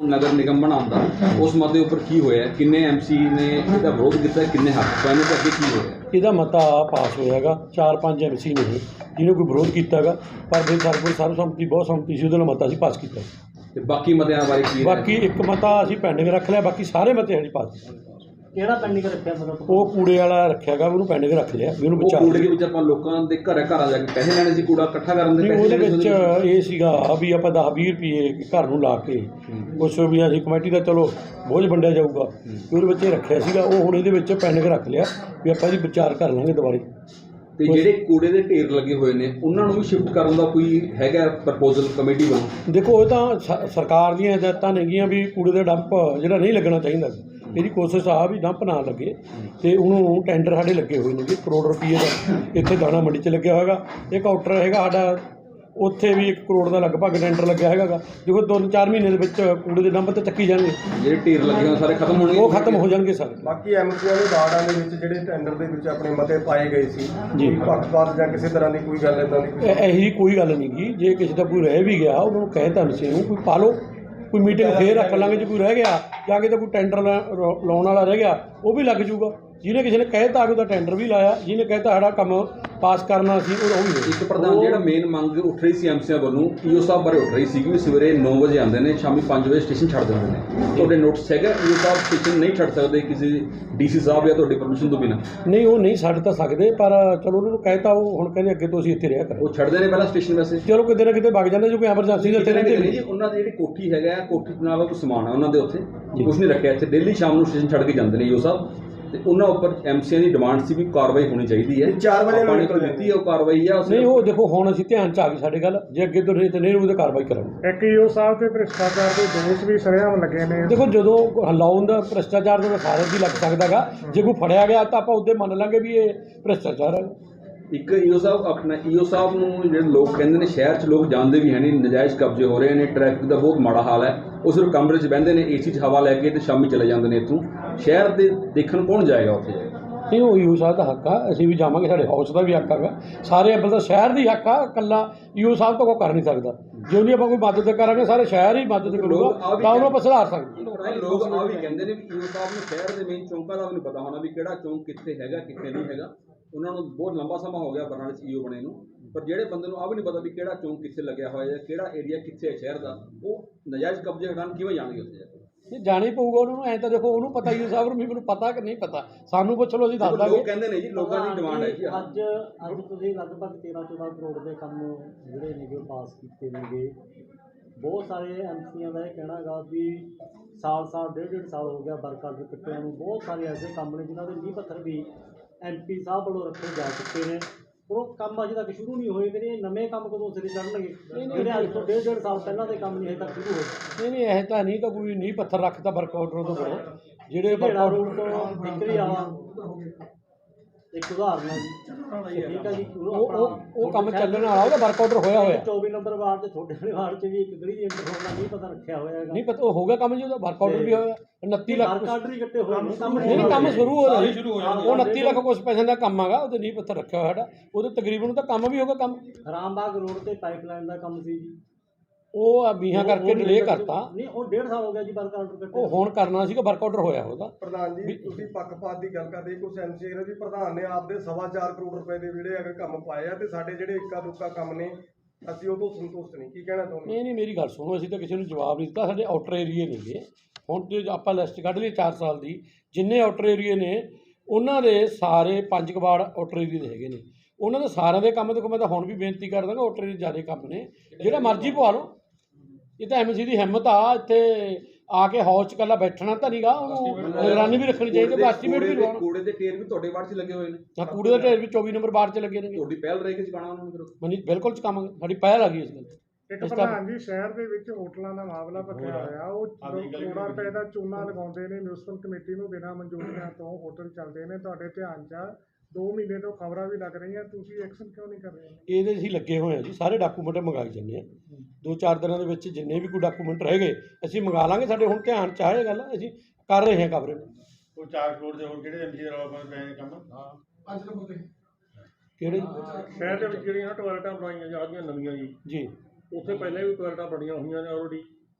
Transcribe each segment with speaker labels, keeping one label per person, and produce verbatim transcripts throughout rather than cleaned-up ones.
Speaker 1: ਨਗਰ ਨਿਗਮ ਬਣਾਉਣ ਦਾ, ਉਸ ਮਤੇ ਉੱਪਰ ਕੀ ਹੋਇਆ, ਕਿੰਨੇ ਐਮ ਸੀ ਨੇ ਇਹਦਾ ਵਿਰੋਧ ਕੀਤਾ, ਕਿੰਨੇ ਹੱਕ ਪਾਏ ਤੇ ਅੱਗੇ ਕੀ ਹੋਇਆ?
Speaker 2: ਇਹਦਾ ਮਤਾ ਪਾਸ ਹੋਇਆ ਗਾ, ਚਾਰ ਪੰਜ ਐਮ ਸੀ ਨੇ ਜਿਹਨੇ ਕੋਈ ਵਿਰੋਧ ਕੀਤਾ ਗਾ, ਪਰ ਫਿਰ ਸਾਡੇ ਕੋਲ ਸਰਬਸੰਮਤੀ ਬਹੁਤ ਸੰਮਤੀ ਸੀ, ਉਹਦੇ ਨਾਲ ਮਤਾ ਅਸੀਂ ਪਾਸ ਕੀਤਾ।
Speaker 1: ਤੇ ਬਾਕੀ ਮਤਿਆਂ ਬਾਰੇ ਕੀ?
Speaker 2: ਬਾਕੀ ਇੱਕ ਮਤਾ ਅਸੀਂ ਪੈਂਡਿੰਗ ਰੱਖ ਲਿਆ, ਬਾਕੀ ਸਾਰੇ ਮਤੇ ਅਸੀਂ ਪਾਸ ਕੀਤੇ।
Speaker 3: ਕਿਹੜਾ ਪੈਂਡਿੰਗ ਰੱਖਿਆ ਮਤਲਬ?
Speaker 2: ਉਹ ਕੂੜੇ ਵਾਲਾ ਰੱਖਿਆ ਗਾ, ਉਹਨੂੰ ਪੈਂਡਿੰਗ ਰੱਖ ਲਿਆ ਵੀ ਉਹਨੂੰ ਬਚਾ।
Speaker 1: ਕੂੜੇ ਦੇ ਵਿੱਚ ਆਪਾਂ ਲੋਕਾਂ ਦੇ ਘਰ ਘਰਾਂ ਜਾ ਕੇ ਪੈਸੇ ਲੈਣੇ ਸੀ, ਕੂੜਾ ਇਕੱਠਾ ਕਰਨ ਦੇ ਪੈਸੇ?
Speaker 2: ਉਹਦੇ ਵਿੱਚ ਇਹ ਸੀਗਾ ਵੀ ਆਪਾਂ ਦਸ ਵੀਹ ਰੁਪਏ ਘਰ ਨੂੰ ਲਾ ਕੇ ਕੁਛ ਵੀ ਅਸੀਂ ਕਮੇਟੀ ਦਾ ਚਲੋ ਬੋਝ ਵੰਡਿਆ ਜਾਊਗਾ, ਉਹਦੇ ਵਿੱਚ ਇਹ ਰੱਖਿਆ ਸੀਗਾ। ਉਹ ਹੁਣ ਇਹਦੇ ਵਿੱਚ ਪੈਂਡਿੰਗ ਰੱਖ ਲਿਆ ਵੀ ਆਪਾਂ ਇਹਦੀ ਵਿਚਾਰ ਕਰ ਲਾਂਗੇ ਦੁਬਾਰੇ।
Speaker 1: ਤੇ ਜਿਹੜੇ ਕੂੜੇ ਦੇ ਢੇਰ ਲੱਗੇ ਹੋਏ ਨੇ ਉਹਨਾਂ ਨੂੰ ਵੀ ਸ਼ਿਫਟ ਕਰਨ ਦਾ ਕੋਈ ਹੈਗਾ ਪ੍ਰਪੋਜ਼ਲ ਕਮੇਟੀ ਵੱਲੋਂ?
Speaker 2: ਦੇਖੋ ਇਹ ਤਾਂ ਸ ਸਰਕਾਰ ਦੀਆਂ ਹਦਾਇਤਾਂ ਨੇਗੀਆਂ ਵੀ ਕੂੜੇ ਦਾ ਡੰਪ ਜਿਹੜਾ ਨਹੀਂ ਲੱਗਣਾ ਚਾਹੀਦਾ, ਇਹਦੀ ਕੋਸ਼ਿਸ਼ ਆ ਵੀ ਡੰਪ ਨਾ ਲੱਗੇ। ਤੇ ਉਹਨੂੰ ਟੈਂਡਰ ਸਾਡੇ ਲੱਗੇ ਹੋਏ ਨੇ ਕਰੋੜ ਰੁਪਏ ਦਾ, ਇੱਥੇ ਦਾਣਾ ਮੰਡੀ 'ਚ ਲੱਗਿਆ ਹੋਏਗਾ। ਇਹ ਕਾਊਂਟਰ ਹੈਗਾ ਸਾਡਾ, ਉੱਥੇ ਵੀ ਇੱਕ ਕਰੋੜ ਦਾ ਲਗਭਗ ਟੈਂਡਰ ਲੱਗਿਆ ਹੈਗਾ ਗਾ। ਦੇਖੋ ਦੋ ਚਾਰ ਮਹੀਨੇ ਦੇ ਵਿੱਚ ਕੂੜੇ ਦੇ ਡੰਪ ਤੇ ਚੱਕੀ ਜਾਣਗੇ,
Speaker 1: ਜਿਹੜੇ ਢੇਰ ਲੱਗੇ ਹੋਏ ਸਾਰੇ ਖਤਮ ਹੋਣਗੇ, ਉਹ
Speaker 2: ਖਤਮ ਹੋ ਜਾਣਗੇ ਸਾਰੇ।
Speaker 4: ਬਾਕੀ ਐਮਸੀਆਂ ਦੇ ਵਾਰਡਾਂ ਦੇ ਵਿੱਚ ਜਿਹੜੇ ਟੈਂਡਰ ਦੇ ਵਿੱਚ ਆਪਣੇ ਮਤੇ ਪਾਏ ਗਏ ਸੀ
Speaker 2: ਜੀ,
Speaker 4: ਪੱਖਪਾਤ ਜਾਂ ਕਿਸੇ ਤਰ੍ਹਾਂ ਦੀ ਕੋਈ ਗੱਲ ਇੱਦਾਂ ਦੀ ਕੋਈ?
Speaker 2: ਇਹੋ ਜਿਹੀ ਕੋਈ ਗੱਲ ਨਹੀਂ ਗੀ। ਜੇ ਕਿਸੇ ਦਾ ਕੋਈ ਰਹਿ ਵੀ ਗਿਆ ਉਹਨਾਂ ਨੂੰ ਕਹਿ ਤਾ ਨਸ਼ੇ ਨੂੰ ਕੋਈ ਪਾ ਲਓ, ਕੋਈ ਮੀਟਿੰਗ ਫੇਰ ਰੱਖ ਲਾਂਗੇ। ਜੇ ਕੋਈ ਰਹਿ ਗਿਆ ਜਾਂ ਕਿਤੇ ਕੋਈ ਟੈਂਡਰ ਲਾਉਣ ਵਾਲਾ ਰਹਿ ਗਿਆ ਉਹ ਵੀ ਲੱਗ ਜੂਗਾ। ਜਿਹਨੇ ਕਿਸੇ ਨੇ ਕਹਿਤਾ ਕਿ ਉਹਦਾ ਟੈਂਡਰ ਵੀ ਲਾਇਆ, ਜਿਹਨੇ ਕਹਿਤਾ ਸਾਡਾ ਕੰਮ ਪਾਸ ਕਰਨਾ ਸੀ ਉਹ ਵੀ।
Speaker 1: ਇੱਕ ਪ੍ਰਧਾਨ ਜਿਹੜਾ ਮੇਨ ਮੰਗ ਉੱਠ ਰਹੀ ਸੀ ਐਮਸੀਆਂ ਵੱਲੋਂ, ਈਓ ਸਾਹਿਬ ਬਾਰੇ ਉੱਠ ਰਹੀ ਸੀ ਕਿ ਸਵੇਰੇ ਨੌ ਵਜੇ ਆਉਂਦੇ ਨੇ, ਸ਼ਾਮੀ ਪੰਜ ਵਜੇ ਸਟੇਸ਼ਨ ਛੱਡ ਦਿੰਦੇ ਨੇ। ਤੁਹਾਡੇ ਨੋਟਿਸ ਹੈਗਾ ਈਓ ਸਾਹਿਬ ਸਟੇਸ਼ਨ ਨਹੀਂ ਛੱਡ ਸਕਦੇ ਕਿਸੇ ਡੀਸੀ ਸਾਹਿਬ ਜਾਂ ਤੁਹਾਡੀ ਪਰਮਿਸ਼ਨ ਤੋਂ ਬਿਨਾਂ?
Speaker 2: ਨਹੀਂ, ਉਹ ਨਹੀਂ ਛੱਡ ਤਾਂ ਸਕਦੇ, ਪਰ ਚਲੋ ਉਹਨਾਂ ਨੂੰ ਕਹਿਤਾ, ਉਹ ਹੁਣ ਕਹਿੰਦੇ ਅੱਗੇ ਤੋਂ ਅਸੀਂ ਇੱਥੇ ਰਿਹਾ ਕਰਾਂਗੇ।
Speaker 1: ਉਹ ਛੱਡਦੇ ਨੇ ਪਹਿਲਾਂ ਸਟੇਸ਼ਨ ਵੈਸੇ?
Speaker 2: ਚਲੋ ਕਿਤੇ ਨਾ ਕਿਤੇ ਵਗ ਜਾਂਦੇ, ਜੋ ਕੋਈ ਐਮਰਜੈਂਸੀ ਦੇ ਉੱਤੇ ਰਹਿੰਦੇ ਨੇ
Speaker 1: ਜੀ। ਉਹਨਾਂ ਦੀ ਜਿਹੜੀ ਕੋਠੀ ਹੈਗਾ, ਕੋਠੀ ਨਾਲ ਕੋਈ ਸਮਾਨ ਹੈ ਉਹਨਾਂ ਦੇ ਉੱਥੇ, ਕੁਛ ਨਹੀਂ ਰੱਖਿਆ ਇੱਥੇ। ਡੇਲੀ ਸ਼ਾਮ ਨੂੰ ਸਟੇਸ਼ਨ ਛੱਡ ਕੇ ਜਾਂਦੇ ਨੇ ਈਓ ਸਾਹਿਬ। ਤੇ ਉਹਨਾਂ ਉੱਪਰ ਐਮਸੀਆਂ ਦੀ ਡਿਮਾਂਡ ਸੀ ਵੀ ਕਾਰਵਾਈ ਹੋਣੀ ਚਾਹੀਦੀ ਹੈ।
Speaker 4: ਚਾਰ ਵਜੇ
Speaker 1: ਪਾਣੀ ਤੋਂ ਦਿੱਤੀ ਹੈ ਉਹ ਕਾਰਵਾਈ ਆ?
Speaker 2: ਨਹੀਂ, ਉਹ ਦੇਖੋ ਹੁਣ ਅਸੀਂ ਧਿਆਨ 'ਚ ਆ ਗਈ ਸਾਡੇ ਗੱਲ, ਜੇ ਅੱਗੇ ਤੋਂ ਨਹੀਂ ਤੇ ਨਹੀਂ ਉਹਦੇ ਕਾਰਵਾਈ ਕਰਾਂਗੇ।
Speaker 5: ਇੱਕ ਈਓ ਸਾਹਿਬ ਤੇ ਭ੍ਰਿਸ਼ਟਾਚਾਰ ਦੇ ਦੋਸ਼ ਵੀ ਸਰੇਆਮ ਲੱਗੇ ਨੇ।
Speaker 2: ਦੇਖੋ ਜਦੋਂ ਲਾਉਣ ਦਾ ਭ੍ਰਿਸ਼ਟਾਚਾਰ ਦਾ ਸਾਰੇ ਦੀ ਲੱਗ ਸਕਦਾ ਗਾ, ਜੇ ਕੋਈ ਫੜਿਆ ਗਿਆ ਤਾਂ ਆਪਾਂ ਉਹਦੇ ਮੰਨ ਲਾਂਗੇ ਵੀ ਇਹ ਭ੍ਰਿਸ਼ਟਾਚਾਰ ਹੈ।
Speaker 1: ਇੱਕ ਈਓ ਸਾਹਿਬ ਆਪਣਾ ਈਓ ਸਾਹਿਬ ਨੂੰ ਜਿਹੜੇ ਲੋਕ ਕਹਿੰਦੇ ਨੇ ਸ਼ਹਿਰ 'ਚ ਲੋਕ ਜਾਣਦੇ ਵੀ ਹੈ ਨਹੀਂ, ਨਜਾਇਜ਼ ਕਬਜ਼ੇ ਹੋ ਰਹੇ ਨੇ, ਟ੍ਰੈਫਿਕ ਦਾ ਬਹੁਤ ਮਾੜਾ ਹਾਲ ਹੈ। ਉਹ ਸਿਰਫ ਕਮਰੇ 'ਚ ਬਹਿੰਦੇ ਨੇ, ਏਸੀ 'ਚ ਹਵਾ ਲੈ ਕੇ ਤੇ ਸ਼ਾਮੀ ਚਲੇ ਜਾਂਦੇ ਨੇ ਇੱਥੋਂ। ਸ਼ਹਿਰ ਦੇ ਦੇਖਣ ਕੌਣ ਜਾਏਗਾ ਉੱਥੇ?
Speaker 2: ਨਹੀਂ, ਉਹ ਈਓ ਸਾਹਿਬ ਦਾ ਹੱਕ ਆ, ਅਸੀਂ ਵੀ ਜਾਵਾਂਗੇ, ਸਾਡੇ ਹਾਊਸ ਦਾ ਵੀ ਹੱਕ ਹੈਗਾ, ਸਾਰੇ ਅੱਬਲ ਦਾ ਸ਼ਹਿਰ ਦੀ ਹੱਕ ਆ। ਇਕੱਲਾ ਈਓ ਸਾਹਿਬ ਤਾਂ ਕੋਈ ਕਰ ਨਹੀਂ ਸਕਦਾ। ਜੇ ਉਹਦੀ ਆਪਾਂ ਕੋਈ ਮਦਦ ਕਰਾਂਗੇ ਸਾਰੇ ਸ਼ਹਿਰ ਹੀ ਮਦਦ ਕਰੂਗਾ ਤਾਂ ਉਹਨੂੰ ਆਪਾਂ ਸੁਧਾਰ ਸਕਦੇ।
Speaker 1: ਲੋਕ ਆ ਵੀ ਕਹਿੰਦੇ ਨੇ ਵੀ ਈਓ ਸਾਹਿਬ ਨੂੰ ਸ਼ਹਿਰ ਦੇ ਮੇਨ ਚੌਂਕਾਂ ਦਾ ਵੀ ਨਹੀਂ ਪਤਾ ਹੋਣਾ ਵੀ ਕਿਹੜਾ ਚੌਂਕ ਕਿੱਥੇ ਹੈਗਾ ਕਿੱਥੇ ਨਹੀਂ ਹੈਗਾ। ਉਹਨਾਂ ਨੂੰ ਬਹੁਤ ਲੰਬਾ ਸਮਾਂ ਹੋ ਗਿਆ ਬਰਨਾਲੇ 'ਚ ਈਓ ਬਣੇ ਨੂੰ, ਪਰ ਜਿਹੜੇ ਬੰਦੇ ਨੂੰ ਆ ਵੀ ਨਹੀਂ ਪਤਾ ਵੀ ਕਿਹੜਾ ਚੌਂਕ ਕਿੱਥੇ ਲੱਗਿਆ ਹੋਇਆ ਜਾਂ ਕਿਹੜਾ ਏਰੀਆ ਕਿੱਥੇ ਹੈ ਸ਼ਹਿਰ ਦਾ, ਉਹ ਨਜਾਇਜ਼ ਕਬਜ਼ੇ ਹਟਾਉਣ ਕਿਵੇਂ ਜਾਣਗੇ ਉੱਥੇ ਜਾ ਕੇ?
Speaker 2: ਇਹ ਜਾਣਾ ਹੀ ਪਊਗਾ ਉਹਨਾਂ ਨੂੰ। ਐਂ ਤਾਂ ਦੇਖੋ ਉਹਨੂੰ ਪਤਾ ਈਓ ਸਾਹਿਬ ਨੂੰ ਵੀ ਮੈਨੂੰ ਪਤਾ ਕਿ ਨਹੀਂ ਪਤਾ, ਸਾਨੂੰ ਪੁੱਛ ਲਓ ਅਸੀਂ ਦੱਸ ਦਾਂਗੇ।
Speaker 1: ਲੋਕ ਕਹਿੰਦੇ ਨੇ ਜੀ, ਲੋਕਾਂ ਦੀ ਡਿਮਾਂਡ ਹੈ ਜੀ।
Speaker 3: ਅੱਜ ਅੱਜ ਤੁਸੀਂ ਲਗਭਗ ਤੇਰਾਂ ਚੌਦਾਂ ਕਰੋੜ ਦੇ ਕੰਮ ਜਿਹੜੇ ਨੇਗੇ ਪਾਸ ਕੀਤੇ ਨੇਗੇ। ਬਹੁਤ ਸਾਰੇ ਐਮਸੀਆਂ ਦਾ ਇਹ ਕਹਿਣਾ ਹੈਗਾ ਵੀ ਸਾਲ ਸਾਲ ਡੇਢ ਡੇਢ ਸਾਲ ਹੋ ਗਿਆ ਵਰਕ ਆਰਡਰ ਕੱਟਿਆਂ ਨੂੰ। ਬਹੁਤ ਸਾਰੇ ਐਸੇ ਕੰਮ ਨੇ ਜਿਨ੍ਹਾਂ ਦੇ ਨੀਂਹ ਪੱਥਰ ਵੀ ਐਮ ਪੀ ਸਾਹਿਬ ਵੱਲੋਂ ਰੱਖੇ ਜਾ ਚੁੱਕੇ ਨੇ, ਉਹ ਕੰਮ ਅਜੇ ਤੱਕ ਸ਼ੁਰੂ ਨਹੀਂ ਹੋਏ। ਮੇਰੇ ਨਵੇਂ ਕੰਮ ਕਦੋਂ ਸਿਰੇ ਚੜ੍ਹਨਗੇ ਜਿਹੜੇ ਅੱਜ ਤੋਂ ਡੇਢ ਡੇਢ ਸਾਲ ਪਹਿਲਾਂ ਦੇ ਕੰਮ ਨਹੀਂ ਹਜੇ ਤੱਕ ਸ਼ੁਰੂ ਹੋਏ? ਨਹੀਂ
Speaker 2: ਨਹੀਂ, ਇਹ ਤਾਂ ਨਹੀਂ ਤਾਂ ਕੋਈ ਨੀਂਹ ਪੱਥਰ ਰੱਖਦਾ ਵਰਕ ਆਰਡਰ ਤੋਂ ਬਣੇ ਜਿਹੜੇ
Speaker 3: ਬੜਾ ਰੋਡ ਤੋਂ ਨਿਕਲੀ ਆ ਇੱਕ ਉਦਾਹਰਨ ਹੈ ਜੀ, ਠੀਕ ਹੈ ਜੀ।
Speaker 2: ਉਹ ਉਹ ਕੰਮ ਚੱਲਣ ਵਾਲਾ, ਉਹਦਾ ਵਰਕ ਆਰਡਰ ਹੋਇਆ ਹੋਇਆ।
Speaker 3: ਚੌਵੀ ਨੰਬਰ ਵਾਰਡ 'ਚ ਤੁਹਾਡੇ ਵਾਲੇ ਵਾਰਡ 'ਚ ਵੀ ਇੱਕ ਗਲੀ ਦੀ ਇੰਟਰ ਹੋਣ ਦਾ ਨਹੀਂ ਪਤਾ ਰੱਖਿਆ ਹੋਇਆ ਹੈਗਾ।
Speaker 2: ਨਹੀਂ ਪਤਾ, ਉਹ ਹੋ ਗਿਆ ਕੰਮ ਜੀ, ਉਹਦਾ ਵਰਕ ਆਰਡਰ ਵੀ ਹੋਇਆ। ਉਨੱਤੀ ਲੱਖ
Speaker 3: ਵਰਕ ਆਰਡਰ ਹੀ ਕੱਟੇ ਹੋਏ ਨੇ, ਕੰਮ
Speaker 2: ਨਹੀਂ ਨਹੀਂ ਕੰਮ ਸ਼ੁਰੂ ਹੋ ਰਿਹਾ। ਉਹ ਉਨੱਤੀ ਲੱਖ ਕੁਛ ਪੈਸੇ ਦਾ ਕੰਮ ਹੈਗਾ, ਉਹਦੇ ਨੀਂਹ ਪੱਥਰ ਰੱਖਿਆ ਹੋਇਆ ਸਾਡਾ, ਉਹਦੇ ਤਕਰੀਬਨ ਤਾਂ ਕੰਮ ਵੀ ਹੋਗਾ। ਕੰਮ
Speaker 3: ਰਾਮਬਾਗ ਰੋਡ ਤੇ ਪਾਈਪਲਾਈਨ ਦਾ ਕੰਮ ਸੀ ਜੀ,
Speaker 2: ਉਹ ਮੀਂਹਾਂ ਕਰਕੇ ਡਿਲੇ ਕਰਤਾ।
Speaker 3: ਨਹੀਂ, ਉਹ ਡੇਢ ਸਾਲ ਹੋ ਗਿਆ ਜੀ ਵਰਕ ਆਰਡਰ ਕੱਟੇ।
Speaker 2: ਉਹ ਹੁਣ ਕਰਨਾ ਸੀਗਾ, ਵਰਕ ਆਰਡਰ ਹੋਇਆ ਉਹਦਾ।
Speaker 4: ਪ੍ਰਧਾਨ ਜੀ, ਤੁਸੀਂ ਪੱਖਪਾਤ ਦੀ ਗੱਲ ਕਰਦੇ, ਕੁਝ ਐਮਸੀ ਨੇ ਵੀ ਪ੍ਰਧਾਨ ਨੇ ਆਪਦੇ ਸਵਾ ਚਾਰ ਕਰੋੜ ਰੁਪਏ ਦੇ ਜਿਹੜੇ ਹੈਗੇ ਕੰਮ ਪਾਏ ਆ ਤੇ ਸਾਡੇ ਜਿਹੜੇ ਇੱਕਾ ਦੁੱਕਾ ਕੰਮ ਨੇ ਅਸੀਂ ਉਹ ਤੋਂ ਸੰਤੁਸ਼ਟ ਨਹੀਂ। ਕੀ ਕਹਿਣਾ ਚਾਹੁੰਦੇ?
Speaker 2: ਨਹੀਂ ਨਹੀਂ, ਮੇਰੀ ਗੱਲ ਸੁਣੋ, ਅਸੀਂ ਤਾਂ ਕਿਸੇ ਨੂੰ ਜਵਾਬ ਨਹੀਂ ਦਿੱਤਾ। ਸਾਡੇ ਆਊਟਰ ਏਰੀਏ ਨੇਗੇ, ਹੁਣ ਜੇ ਆਪਾਂ ਲਿਸਟ ਕੱਢ ਲਈ ਚਾਰ ਸਾਲ ਦੀ, ਜਿੰਨੇ ਆਊਟਰ ਏਰੀਏ ਨੇ ਉਹਨਾਂ ਦੇ ਸਾਰੇ ਪੰਜ ਕਵਾੜ ਆਊਟਰ ਏਰੀਏ ਦੇ ਹੈਗੇ ਨੇ, ਉਹਨਾਂ ਦੇ ਸਾਰਿਆਂ ਦੇ ਕੰਮ। ਦੇਖੋ ਮੈਂ ਤਾਂ ਹੁਣ ਵੀ ਬੇਨਤੀ ਕਰ ਦਾਂਗਾ, ਆਊਟਰ ਏਰੀਏ ਜ਼ਿਆਦਾ ਕੰਮ ਨੇ, ਜਿਹੜਾ ਮਰਜ਼ੀ ਪਵਾ ਲਓ। ਇਹ ਤਾਂ ਐਮਸੀ ਦੀ ਹਿੰਮਤ ਆ, ਇੱਥੇ ਆ ਕੇ ਹਾਊਸ 'ਚ ਇਕੱਲਾ ਬੈਠਣਾ ਤਾਂ ਨਹੀਂਗਾ, ਉਹਨੂੰ ਨਿਗਰਾਨੀ ਵੀ ਰੱਖਣੀ ਚਾਹੀਦੀ, ਐਸਟੀਮੇਟ ਵੀ ਲਵਾਉਣਾ।
Speaker 1: ਕੂੜੇ ਦੇ ਢੇਰ ਵੀ ਤੁਹਾਡੇ ਵਾਰਡ 'ਚ ਲੱਗੇ ਹੋਏ ਨੇ?
Speaker 2: ਹਾਂ, ਕੂੜੇ ਦੇ ਢੇਰ ਵੀ ਚੌਵੀ ਨੰਬਰ ਵਾਰਡ 'ਚ ਲੱਗੇ ਨੇ।
Speaker 1: ਤੁਹਾਡੀ ਪਹਿਲ ਰਹੇਗੀ ਚੁਕਾਉਣਾ ਉਹਨਾਂ ਨੂੰ? ਫਿਰ
Speaker 2: ਮਨੀ ਬਿਲਕੁਲ ਚੁਕਾਵਾਂਗੇ, ਸਾਡੀ ਪਹਿਲ ਆ ਗਈ ਇਸ ਗੱਲ।
Speaker 5: ਇੱਕ ਪ੍ਰਧਾਨ ਜੀ, ਸ਼ਹਿਰ ਦੇ ਵਿੱਚ ਹੋਟਲਾਂ ਦਾ ਮਾਮਲਾ ਭਖਿਆ ਹੋਇਆ। ਉਹ ਕਰੋੜਾਂ ਰੁਪਏ ਦਾ ਚੂਨਾ ਲਗਾਉਂਦੇ ਨੇ ਮਿਊਨਿਸਪਲ ਕਮੇਟੀ ਨੂੰ, ਬਿਨਾਂ ਮਨਜ਼ੂਰੀਆਂ ਤੋਂ ਹੋਟਲ ਚੱਲਦੇ ਨੇ। ਤੁਹਾਡੇ ਧਿਆਨ 'ਚ ਦੋ ਮਹੀਨੇ ਤੋਂ ਖਬਰਾਂ ਵੀ ਲੱਗ ਰਹੀਆਂ, ਤੁਸੀਂ ਐਕਸ਼ਨ ਕਿਉਂ ਨਹੀਂ ਕਰ ਰਹੇ?
Speaker 2: ਇਹਦੇ ਅਸੀਂ ਲੱਗੇ ਹੋਏ ਹਾਂ ਜੀ, ਸਾਰੇ ਡਾਕੂਮੈਂਟ ਮੰਗਾਈ ਜਾਂਦੇ ਹਾਂ। ਦੋ ਚਾਰ ਦਿਨਾਂ ਦੇ ਵਿੱਚ ਜਿੰਨੇ ਵੀ ਕੋਈ ਡਾਕੂਮੈਂਟ ਰਹਿ ਗਏ ਅਸੀਂ ਮੰਗਾ ਲਾਂਗੇ। ਸਾਡੇ ਹੁਣ ਧਿਆਨ 'ਚ ਆਏ ਗੱਲ, ਅਸੀਂ ਕਰ ਰਹੇ ਹਾਂ ਕਵਰੇਜ।
Speaker 6: ਉਹ ਚਾਰ ਕਰੋੜ ਦੇ ਹੋਰ ਕਿਹੜੇ ਐਮਸੀ ਦਾ ਰੌਲਾ ਪੈ ਰਿਹਾ ਕੰਮ? ਹਾਂ,
Speaker 4: ਪੰਜ ਨੰਬਰ ਤੇ
Speaker 2: ਕਿਹੜੇ
Speaker 5: ਸ਼ਹਿਰ ਦੇ ਵਿੱਚ ਜਿਹੜੀਆਂ ਟੋਇਲਟਾਂ ਬਣਾਈਆਂ ਜਾ ਰਹੀਆਂ ਨਵੀਆਂ ਜੀ,
Speaker 2: ਜੀ
Speaker 5: ਉੱਥੇ ਪਹਿਲਾਂ ਵੀ ਟੋਇਲਟਾਂ ਬਣੀਆਂ ਹੋਈਆਂ ਨੇ ਆਲਰੇਡੀ,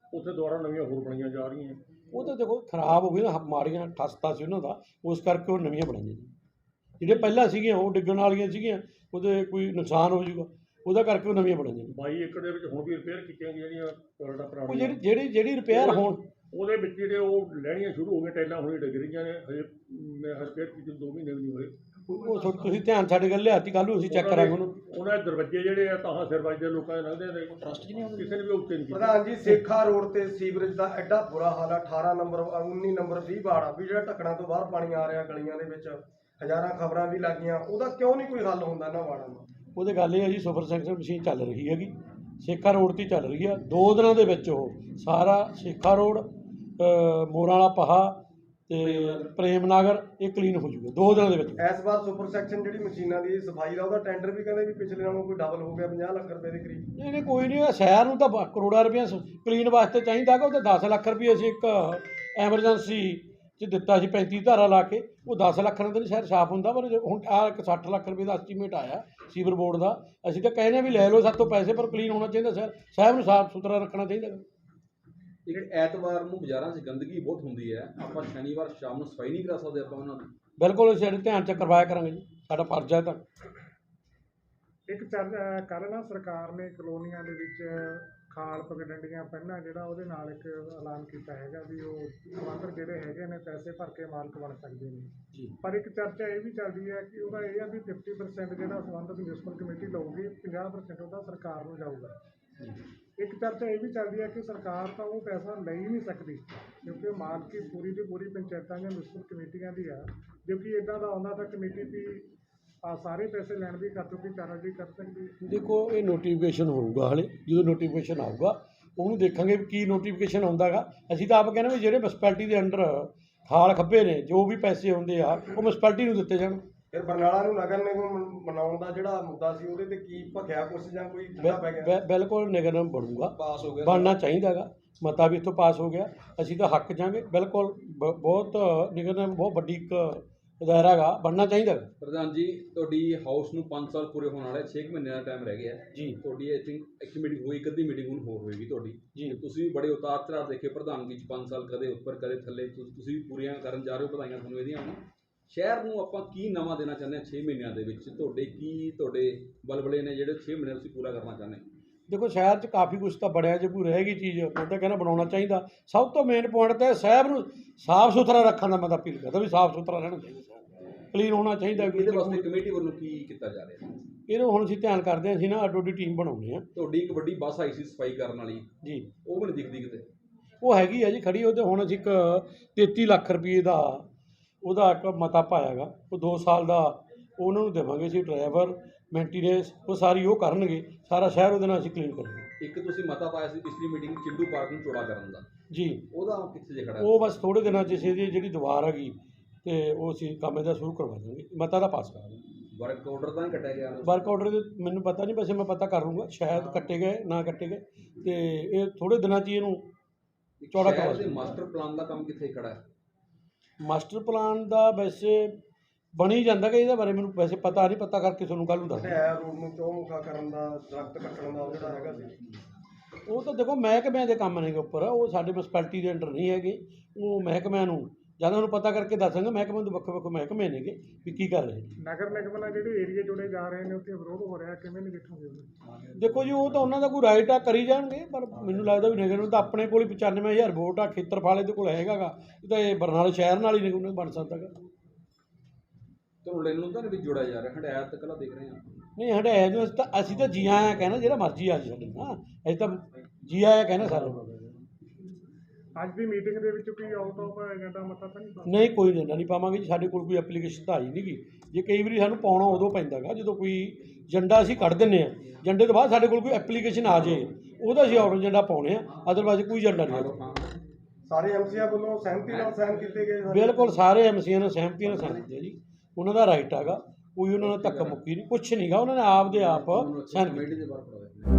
Speaker 6: ਉੱਥੇ ਦੁਬਾਰਾ ਨਵੀਆਂ ਹੋਰ ਬਣੀਆਂ ਜਾ ਰਹੀਆਂ।
Speaker 2: ਉਹ ਤਾਂ ਦੇਖੋ ਖਰਾਬ ਹੋ ਗਈ ਨਾ, ਮਾੜੀਆਂ ਠਸਤਾ ਸੀ ਉਹਨਾਂ ਦਾ, ਉਸ ਕਰਕੇ ਉਹ ਨਵੀਆਂ ਬਣਾਈਆਂ ਜੀ। ਜਿਹੜੇ ਪਹਿਲਾਂ ਸੀਗੀਆਂ ਉਹ ਡਿੱਗਣ ਵਾਲੀਆਂ ਸੀਗੀਆਂ, ਉਹਦੇ ਕੋਈ ਨੁਕਸਾਨ ਹੋ ਜਾਊਗਾ, ਉਹਦਾ ਕਰਕੇ ਉਹ ਨਵੀਆਂ ਬਣਾਈਆਂ ਜੀ।
Speaker 6: ਬਾਈ ਏਕੜ ਦੇ ਵਿੱਚ ਹੁਣ ਵੀ ਰਿਪੇਅਰ ਕੀਤੀਆਂ ਗਈਆਂ ਜਿਹੜੀਆਂ ਟੋਇਲਟਾਂ
Speaker 2: ਉਹ
Speaker 6: ਪੁਰਾਣੀਆਂ,
Speaker 2: ਜਿਹੜੀ ਜਿਹੜੀ ਜਿਹੜੀ ਰਿਪੇਅਰ ਹੋਣ,
Speaker 6: ਉਹਦੇ ਵਿੱਚ ਜਿਹੜੇ ਉਹ ਲੈਣੀਆਂ ਸ਼ੁਰੂ ਹੋ ਗਈਆਂ, ਟਾਈਲਾਂ ਹੁਣੇ ਡਿੱਗ ਰਹੀਆਂ ਨੇ, ਹਜੇ ਮੈਂ ਰਿਪੇਅਰ ਕੀਤੇ ਦੋ ਮਹੀਨੇ ਵੀ ਨਹੀਂ ਹੋਏ।
Speaker 2: ਉਹ ਥੋ- ਤੁਸੀਂ ਧਿਆਨ ਸਾਡੇ ਗੱਲ ਲਿਆਤੀ, ਕੱਲ੍ਹ ਨੂੰ ਅਸੀਂ ਚੈੱਕ ਕਰਾਂਗੇ ਉਹਨੂੰ।
Speaker 6: ਉਹਨਾਂ ਦੇ ਦਰਵਾਜ਼ੇ ਜਿਹੜੇ ਆ ਤਾਂ ਸਿਰ ਵੱਜਦੇ ਲੋਕਾਂ ਦੇ ਲੰਘਦੇ ਨੇ, ਟਰਸਟ ਜੀ ਨਹੀਂ ਕਿਸੇ ਨੇ ਵੀ ਉੱਤੇ ਨਹੀਂ ਕੀਤਾ।
Speaker 4: ਪ੍ਰਧਾਨ ਜੀ ਸੇਖਾ ਰੋਡ ਤੇ ਸੀਵਰੇਜ ਦਾ ਐਡਾ ਬੁਰਾ ਹਾਲ ਆ, ਅਠਾਰਾਂ ਨੰਬਰ ਉੱਨੀ ਨੰਬਰ ਵੀਹ ਵਾਰਡ ਆ ਵੀ ਜਿਹੜਾ ਢੱਕਣਾ ਤੋਂ ਬਾਹਰ ਪਾਣੀ ਆ ਰਿਹਾ ਗਲੀਆਂ ਦੇ ਵਿੱਚ, ਹਜ਼ਾਰਾਂ ਖਬਰਾਂ ਵੀ ਲੱਗੀਆਂ, ਉਹਦਾ ਕਿਉਂ ਨਹੀਂ ਕੋਈ ਹੱਲ ਹੁੰਦਾ ਇਹਨਾਂ ਵਾਰਡਾਂ ਦਾ?
Speaker 2: ਉਹਦੇ ਗੱਲ ਇਹ ਹੈ ਜੀ, ਸੁਪਰ ਸੈਕਸ਼ਨ ਮਸ਼ੀਨ ਚੱਲ ਰਹੀ ਹੈਗੀ, ਸੇਖਾ ਰੋਡ 'ਤੇ ਚੱਲ ਰਹੀ ਆ। ਦੋ ਦਿਨਾਂ ਦੇ ਵਿੱਚ ਉਹ ਸਾਰਾ ਸੇਖਾ ਰੋਡ, ਮੋਰਾਂ ਵਾਲਾ ਪਹਾ ਤੇ ਪ੍ਰੇਮ ਨਗਰ ਇਹ ਕਲੀਨ ਹੋ ਜੂਗਾ ਦੋ ਦਿਨਾਂ ਦੇ ਵਿੱਚ।
Speaker 4: ਇਸ ਵਾਰ ਸੁਪਰ ਸੈਕਸ਼ਨ ਜਿਹੜੀ ਮਸ਼ੀਨਾਂ ਦੀ ਸਫਾਈ ਦਾ ਉਹਦਾ ਟੈਂਡਰ ਵੀ ਕਹਿੰਦੇ ਵੀ ਪਿਛਲੇ ਨਾਲੋਂ ਕੋਈ ਡਬਲ ਹੋ ਗਿਆ, ਪੰਜਾਹ ਲੱਖ ਰੁਪਏ ਦੇ ਕਰੀਬ।
Speaker 2: ਨਹੀਂ ਨਹੀਂ ਕੋਈ ਨਹੀਂ, ਸ਼ਹਿਰ ਨੂੰ ਤਾਂ ਬ- ਕਰੋੜਾਂ ਰੁਪਏ ਕਲੀਨ ਵਾਸਤੇ ਚਾਹੀਦਾ ਗਾ। ਉਹ ਤਾਂ ਦਸ ਲੱਖ ਰੁਪਏ ਅਸੀਂ ਇੱਕ ਐਮਰਜੈਂਸੀ 'ਚ ਦਿੱਤਾ ਸੀ ਪੈਂਤੀ ਧਾਰਾ ਲਾ ਕੇ, ਉਹ ਦਸ ਲੱਖ ਨਾਲ ਤਾਂ ਨਹੀਂ ਸ਼ਹਿਰ ਸਾਫ਼ ਹੁੰਦਾ। ਪਰ ਜੇ ਹੁਣ ਆ ਇੱਕ ਸੱਠ ਲੱਖ ਰੁਪਏ ਦਾ ਐਸਟੀਮੇਟ ਆਇਆ ਸੀਵਰ ਬੋਰਡ ਦਾ, ਅਸੀਂ ਤਾਂ ਕਹਿੰਦੇ ਵੀ ਲੈ ਲਓ ਸਾਡੇ ਤੋਂ ਪੈਸੇ, ਪਰ ਕਲੀਨ ਹੋਣਾ ਚਾਹੀਦਾ ਸ਼ਹਿਰ, ਸ਼ਹਿਰ ਨੂੰ ਸਾਫ਼ ਸੁਥਰਾ ਰੱਖਣਾ ਚਾਹੀਦਾ।
Speaker 1: ਇੱਕ ਐਤਵਾਰ ਨੂੰ ਬਾਜ਼ਾਰਾਂ 'ਚ ਗੰਦਗੀ ਬਹੁਤ ਹੁੰਦੀ ਹੈ, ਆਪਾਂ ਸ਼ਨੀਵਾਰ ਸ਼ਾਮ ਨੂੰ ਸਫਾਈ ਨਹੀਂ ਕਰਾ ਸਕਦੇ ਆਪਾਂ ਉਹਨਾਂ ਦੀ?
Speaker 2: ਬਿਲਕੁਲ ਅਸੀਂ ਸਾਡੇ ਧਿਆਨ 'ਚ ਕਰਵਾਇਆ ਕਰਾਂਗੇ ਜੀ, ਸਾਡਾ ਫਰਜ਼ ਹੈ ਤਾਂ।
Speaker 5: ਇੱਕ ਚੱਲ ਕੱਲ੍ਹ ਨਾ ਸਰਕਾਰ ਨੇ ਕਲੋਨੀਆਂ ਦੇ ਵਿੱਚ ਖਾਲ ਪਗਡੰਡੀਆਂ ਪਹਿਲਾਂ ਜਿਹੜਾ ਉਹਦੇ ਨਾਲ ਇੱਕ ਐਲਾਨ ਕੀਤਾ ਹੈਗਾ ਵੀ ਉਹ ਸੰਬੰਧਰ ਜਿਹੜੇ ਹੈਗੇ ਨੇ ਪੈਸੇ ਭਰ ਕੇ ਮਾਲਕ ਬਣ ਸਕਦੇ ਨੇ
Speaker 2: ਜੀ।
Speaker 5: ਪਰ ਇੱਕ ਚਰਚਾ ਇਹ ਵੀ ਚੱਲਦੀ ਹੈ ਕਿ ਉਹਦਾ ਇਹ ਆ ਵੀ ਫਿਫਟੀ ਪਰਸੈਂਟ ਜਿਹੜਾ ਸੰਬੰਧਿਤ ਮਿਊਨਿਸਪਲ ਕਮੇਟੀ ਲਊਗੀ, ਪੰਜਾਹ ਪਰਸੈਂਟ ਉਹਦਾ ਸਰਕਾਰ ਨੂੰ ਜਾਊਗਾ। ਇੱਕ ਚਰਚਾ ਇਹ ਵੀ ਚੱਲਦੀ ਹੈ ਕਿ ਸਰਕਾਰ ਤਾਂ ਉਹ ਪੈਸਾ ਲੈ ਹੀ ਨਹੀਂ ਸਕਦੀ, ਕਿਉਂਕਿ ਮਾਲਕੀ ਪੂਰੀ ਦੀ ਪੂਰੀ ਪੰਚਾਇਤਾਂ ਜਾਂ ਮਿਊਨਿਸਪਲ ਕਮੇਟੀਆਂ ਦੀ ਆ। ਕਿਉਂਕਿ ਇੱਦਾਂ ਦਾ ਆਉਂਦਾ ਤਾਂ ਕਮੇਟੀ ਵੀ ਆ ਸਾਰੇ ਪੈਸੇ ਲੈਣ ਦੀ ਕਰ ਚੁੱਕੀ, ਚਾਰਜ ਵੀ ਕਰ ਸਕਦੀ।
Speaker 2: ਦੇਖੋ ਇਹ ਨੋਟੀਫਿਕੇਸ਼ਨ ਹੋਊਗਾ, ਹਾਲੇ ਜਦੋਂ ਨੋਟੀਫਿਕੇਸ਼ਨ ਆਊਗਾ ਉਹਨੂੰ ਦੇਖਾਂਗੇ ਵੀ ਕੀ ਨੋਟੀਫਿਕੇਸ਼ਨ ਆਉਂਦਾ ਗਾ। ਅਸੀਂ ਤਾਂ ਆਪ ਕਹਿੰਦੇ ਵੀ ਜਿਹੜੇ ਮਿਊਨਿਸਪੈਲਿਟੀ ਦੇ ਅੰਡਰ ਖਾਲ ਖੱਬੇ ਨੇ, ਜੋ ਵੀ ਪੈਸੇ ਆਉਂਦੇ ਆ ਉਹ ਮਿਊਨਿਸਪੈਲਿਟੀ ਨੂੰ ਦਿੱਤੇ ਜਾਣ।
Speaker 4: ਫਿਰ ਬਰਨਾਲਾ ਨੂੰ ਨਗਰ ਨਿਗਮ ਬਣਾਉਣ ਦਾ ਜਿਹੜਾ ਮੁੱਦਾ ਸੀ ਉਹਦੇ ਤੇ ਕੀ ਭਖਿਆ ਕੁਛ ਜਾਂ ਕੋਈ ਠੰਡਾ ਪੈ ਗਿਆ?
Speaker 2: ਬਿ- ਬਿਲਕੁਲ ਨਿਗਰ ਨਿਗਮ ਬਣੂਗਾ,
Speaker 1: ਪਾਸ ਹੋ ਗਿਆ
Speaker 2: ਬਣਨਾ ਚਾਹੀਦਾ ਗਾ। ਮਤਾ ਵੀ ਇੱਥੋਂ ਪਾਸ ਹੋ ਗਿਆ, ਅਸੀਂ ਤਾਂ ਹੱਕ ਜਾਵਾਂਗੇ ਬਿਲਕੁਲ। ਬ- ਬਹੁਤ ਨਿਗਰ ਨਿਗਮ ਬਹੁਤ ਵੱਡੀ ਇੱਕ ਦਾਇਰਾ ਗਾ, ਬਣਨਾ ਚਾਹੀਦਾ ਗਾ।
Speaker 1: ਪ੍ਰਧਾਨ ਜੀ, ਤੁਹਾਡੀ ਹਾਊਸ ਨੂੰ ਪੰਜ ਸਾਲ ਪੂਰੇ ਹੋਣ ਵਾਲੇ, ਛੇ ਕੁ ਮਹੀਨੇ ਦਾ ਟਾਈਮ ਰਹਿ ਗਿਆ
Speaker 2: ਜੀ
Speaker 1: ਤੁਹਾਡੀ। ਆਈ ਥਿੰਕ ਇੱਕ ਮੀਟਿੰਗ ਹੋਈ, ਇੱਕ ਅੱਧੀ ਮੀਟਿੰਗ ਹੁਣ ਹੋਰ ਹੋਏਗੀ ਤੁਹਾਡੀ।
Speaker 2: ਜੀ।
Speaker 1: ਤੇ ਤੁਸੀਂ ਵੀ ਬੜੇ ਉਤਾਰ ਚੜਾਅ ਦੇਖੇ ਪ੍ਰਧਾਨਗੀ 'ਚ, ਪੰਜ ਸਾਲ ਕਦੇ ਉੱਪਰ ਕਦੇ ਥੱਲੇ, ਤੁ- ਤੁਸੀਂ ਵੀ ਪੂਰੀਆਂ ਕਰਨ ਜਾ ਰਹੇ ਹੋ, ਵਧਾਈਆਂ ਤੁਹਾਨੂੰ ਇਹਦੀਆਂ ਹੁਣ। ਸ਼ਹਿਰ ਨੂੰ ਆਪਾਂ ਕੀ ਨਵਾਂ ਦੇਣਾ ਚਾਹੁੰਦੇ ਹਾਂ ਛੇ ਮਹੀਨਿਆਂ ਦੇ ਵਿੱਚ? ਤੁਹਾਡੇ ਕੀ ਤੁਹਾਡੇ ਬਲਬਲੇ ਨੇ ਜਿਹੜੇ ਛੇ ਮਹੀਨੇ ਤੁਸੀਂ ਪੂਰਾ ਕਰਨਾ ਚਾਹੁੰਦੇ ਹੋ?
Speaker 2: ਦੇਖੋ ਸ਼ਹਿਰ 'ਚ ਕਾਫੀ ਕੁਛ ਤਾਂ ਬੜਿਆ, ਜੇ ਕੋਈ ਰਹਿ ਗਈ ਚੀਜ਼ ਮੈਂ ਤਾਂ ਕਹਿੰਦਾ ਬਣਾਉਣਾ ਚਾਹੀਦਾ। ਸਭ ਤੋਂ ਮੇਨ ਪੁਆਇੰਟ ਤਾਂ ਸ਼ਹਿਰ ਨੂੰ ਸਾਫ਼ ਸੁਥਰਾ ਰੱਖਣ ਦਾ ਮੈਂ ਤਾਂ ਅਪੀਲ ਕਰਦਾ ਵੀ ਸਾਫ਼ ਸੁਥਰਾ ਰਹਿਣਾ ਚਾਹੀਦਾ, ਕਲੀਨ ਹੋਣਾ ਚਾਹੀਦਾ।
Speaker 1: ਇਹਦੇ ਵਾਸਤੇ ਕਮੇਟੀ ਵੱਲੋਂ ਕੀ ਕੀਤਾ ਜਾ ਰਿਹਾ?
Speaker 2: ਇਹਨੂੰ ਹੁਣ ਅਸੀਂ ਧਿਆਨ ਕਰਦੇ ਹਾਂ, ਅਸੀਂ ਨਾ ਅੱਡੋ ਅੱਡੀ ਟੀਮ ਬਣਾਉਂਦੇ ਹਾਂ।
Speaker 1: ਤੁਹਾਡੀ ਇੱਕ ਵੱਡੀ ਬੱਸ ਆਈ ਸੀ ਸਫਾਈ ਕਰਨ ਵਾਲੀ,
Speaker 2: ਜੀ
Speaker 1: ਉਹ ਵੀ ਨਹੀਂ ਦਿਖਦੀ ਕਿਤੇ।
Speaker 2: ਉਹ ਹੈਗੀ ਆ ਜੀ ਖੜੀ, ਉਹਦੇ ਹੁਣ ਅਸੀਂ ਇੱਕ ਤੇਤੀ ਲੱਖ ਰੁਪਏ ਦਾ ਉਹਦਾ ਇੱਕ ਮਤਾ ਪਾਇਆ ਗਾ, ਉਹ ਦੋ ਸਾਲ ਦਾ ਉਹਨਾਂ ਨੂੰ ਦੇਵਾਂਗੇ ਅਸੀਂ, ਡਰਾਈਵਰ ਮੇਨਟੇਨੈਂਸ ਉਹ ਸਾਰੀ ਉਹ ਕਰਨਗੇ, ਸਾਰਾ ਸ਼ਹਿਰ ਉਹਦੇ ਨਾਲ ਅਸੀਂ ਕਲੀਨ ਕਰਾਂਗੇ।
Speaker 1: ਇੱਕ ਤੁਸੀਂ ਮਤਾ ਪਾਇਆ ਸੀ ਪਿਛਲੀ ਮੀਟਿੰਗ ਚਿੰਡੂ ਪਾਰਕ ਨੂੰ ਚੌੜਾ ਕਰਨ ਦਾ,
Speaker 2: ਜੀ
Speaker 1: ਉਹਦਾ ਕਿੱਥੇ ਜੇ ਖੜਾ?
Speaker 2: ਉਹ ਬਸ ਥੋੜ੍ਹੇ ਦਿਨਾਂ 'ਚ ਅਸੀਂ ਇਹਦੀ ਜਿਹੜੀ ਦੀਵਾਰ ਹੈਗੀ ਤੇ ਉਹ ਅਸੀਂ ਕੰਮ ਇਹਦਾ ਸ਼ੁਰੂ ਕਰਵਾ ਦਾਂਗੇ, ਮਤਾ ਦਾ ਪਾਸ ਕਰਾਂਗੇ।
Speaker 1: ਵਰਕ ਆਰਡਰ ਤਾਂ ਨਹੀਂ ਕੱਟਿਆ ਗਿਆ?
Speaker 2: ਵਰਕ ਆਰਡਰ ਦੇ ਮੈਨੂੰ ਪਤਾ ਨਹੀਂ, ਵੈਸੇ ਮੈਂ ਪਤਾ ਕਰ ਲੂੰਗਾ, ਸ਼ਾਇਦ ਕੱਟੇ ਗਏ ਨਾ ਕੱਟੇ ਗਏ, ਤੇ ਇਹ ਥੋੜ੍ਹੇ ਦਿਨਾਂ 'ਚ ਹੀ ਇਹਨੂੰ ਚੌੜਾ ਕਰਵਾ
Speaker 1: ਸ਼ਹਿਰ ਦੇ
Speaker 2: ਦਾਂਗੇ।
Speaker 1: ਮਾਸਟਰ ਪਲਾਨ ਦਾ ਕੰਮ ਕਿੱਥੇ ਖੜਾ ਹੈ?
Speaker 2: ਮਾਸਟਰ ਪਲਾਨ ਦਾ ਵੈਸੇ ਬਣੀ ਜਾਂਦਾ ਕਿ ਇਹਦੇ ਬਾਰੇ ਮੈਨੂੰ ਵੈਸੇ ਪਤਾ ਨਹੀਂ, ਪਤਾ ਕਰਕੇ ਤੁਹਾਨੂੰ ਕੱਲ੍ਹ ਨੂੰ ਦੱਸ ਦਿੰਦਾ।
Speaker 4: ਹਟਿਆਇਆ ਰੋਡ ਨੂੰ ਚੌਮੁਖਾ ਕਰਨ ਦਾ, ਦਰਖਤ ਕੱਟਣ ਦਾ ਉਹ ਜਿਹੜਾ ਹੈਗਾ ਸੀ,
Speaker 2: ਉਹ ਤਾਂ ਦੇਖੋ ਮਹਿਕਮਿਆਂ ਦੇ ਕੰਮ ਨੇਗੇ ਉੱਪਰ, ਉਹ ਸਾਡੇ ਮਿਊਨਿਸਪੈਲਿਟੀ ਦੇ ਅੰਡਰ ਨਹੀਂ ਹੈਗੇ। ਉਹ ਮਹਿਕਮਿਆਂ ਨੂੰ ਜਾਂ ਉਹਨੂੰ ਪਤਾ ਕਰਕੇ ਦੱਸਾਂਗੇ, ਮਹਿਕਮੇ ਦੇ ਵੱਖ ਵੱਖ ਮਹਿਕਮੇ ਨੇਗੇ ਵੀ ਕੀ ਕਰ ਰਹੇ ਨੇ।
Speaker 5: ਨਗਰ ਨਿਗਮ ਨਾਲ ਜਿਹੜੇ ਏਰੀਏ ਜੁੜੇ ਜਾ ਰਹੇ ਨੇ ਉੱਥੇ ਵਿਰੋਧ ਹੋ ਰਿਹਾ, ਕਿਵੇਂ ਨਿਗਠੋਗੇ ਉਹਨੂੰ?
Speaker 2: ਦੇਖੋ ਜੀ ਉਹ ਤਾਂ ਉਹਨਾਂ ਦਾ ਕੋਈ ਰਾਈਟ ਆ, ਕਰੀ ਜਾਣਗੇ, ਪਰ ਮੈਨੂੰ ਲੱਗਦਾ ਵੀ ਨਿਗਮ ਨੂੰ ਤਾਂ ਆਪਣੇ ਕੋਲ ਹੀ ਪਚਾਨਵੇਂ ਹਜ਼ਾਰ ਵੋਟ ਆ, ਖੇਤਰਫਲ ਇਹਦੇ ਕੋਲ ਹੈਗਾ ਗਾ, ਇਹ ਤਾਂ ਇਹ ਬਰਨਾਲੇ ਸ਼ਹਿਰ ਨਾਲ ਹੀ ਨਿਗਮ ਨੂੰ ਬਣ ਸਕਦਾ ਗਾ।
Speaker 1: ਧਰੋਲੇ ਨੂੰ ਤਾਂ ਨਹੀਂ ਵਿੱਚ ਜੋੜਿਆ ਜਾ ਰਿਹਾ, ਹਟਾਇਆ ਤੱਕ ਲਾ ਦੇਖ ਰਹੇ ਹਾਂ।
Speaker 2: ਨਹੀਂ ਹਟਾਇਆ ਜੋ ਅਸੀਂ ਤਾਂ ਅਸੀਂ ਤਾਂ ਜੀ ਆਇਆ ਕਹਿਣਾ, ਜਿਹੜਾ ਮਰਜ਼ੀ ਆ ਜੀ ਸਾਡੇ ਨਾਲ, ਅਸੀਂ ਤਾਂ ਜੀ ਆਇਆ ਕਹਿਣਾ ਸਾਨੂੰ।
Speaker 5: ਅੱਜ ਦੀ ਮੀਟਿੰਗ ਦੇ ਵਿੱਚ ਕੋਈ ਆਊਟ ਆਫ ਏਜੰਡਾ ਮਤਾ ਤਾਂ ਨਹੀਂ ਪਾਇਆ?
Speaker 2: ਨਹੀਂ ਕੋਈ ਏਜੰਡਾ ਨਹੀਂ ਪਾਵਾਂਗੇ ਜੀ, ਸਾਡੇ ਕੋਲ ਕੋਈ ਐਪਲੀਕੇਸ਼ਨ ਤਾਂ ਆਈ ਨਹੀਂ ਗੀ। ਜੇ ਕਈ ਵਾਰੀ ਸਾਨੂੰ ਪਾਉਣਾ ਉਦੋਂ ਪੈਂਦਾ ਗਾ ਜਦੋਂ ਕੋਈ ਏਜੰਡਾ ਅਸੀਂ ਕੱਢ ਦਿੰਦੇ ਹਾਂ, ਏਜੰਡੇ ਤੋਂ ਬਾਅਦ ਸਾਡੇ ਕੋਲ ਕੋਈ ਐਪਲੀਕੇਸ਼ਨ ਆ ਜੇ, ਉਹਦਾ ਅਸੀਂ ਆਊਟ ਏਜੰਡਾ ਪਾਉਣੇ ਆ, ਅਦਰਵਾਈਜ਼ ਕੋਈ ਏਜੰਡਾ ਨਹੀਂ ਹੈਗਾ।
Speaker 4: ਸਾਰੇ ਐਮਸੀਆਂ ਵੱਲੋਂ ਸਹਿਮਤੀ ਨਾਲ ਸਾਈਨ ਕੀਤੇ ਗਏ ਸਾਰੇ?
Speaker 2: ਬਿਲਕੁਲ ਸਾਰੇ ਐਮਸੀਆਂ ਨੇ ਸਹਿਮਤੀ ਨਾਲ ਸਾਈਨ ਕੀਤੇ ਜੀ, ਉਹਨਾਂ ਦਾ ਰਾਈਟ ਹੈਗਾ, ਕੋਈ ਉਹਨਾਂ ਨੇ ਧੱਕਾ ਮੁੱਕੀ ਨਹੀਂ, ਕੁਛ ਨਹੀਂ ਗਾ, ਉਹਨਾਂ ਨੇ ਆਪ ਦੇ ਆਪ ਸਾਈਨ ਕੀਤੇ।
Speaker 1: ਕਮੇਟੀ ਦੇ ਬਾਰੇ ਪੜਾ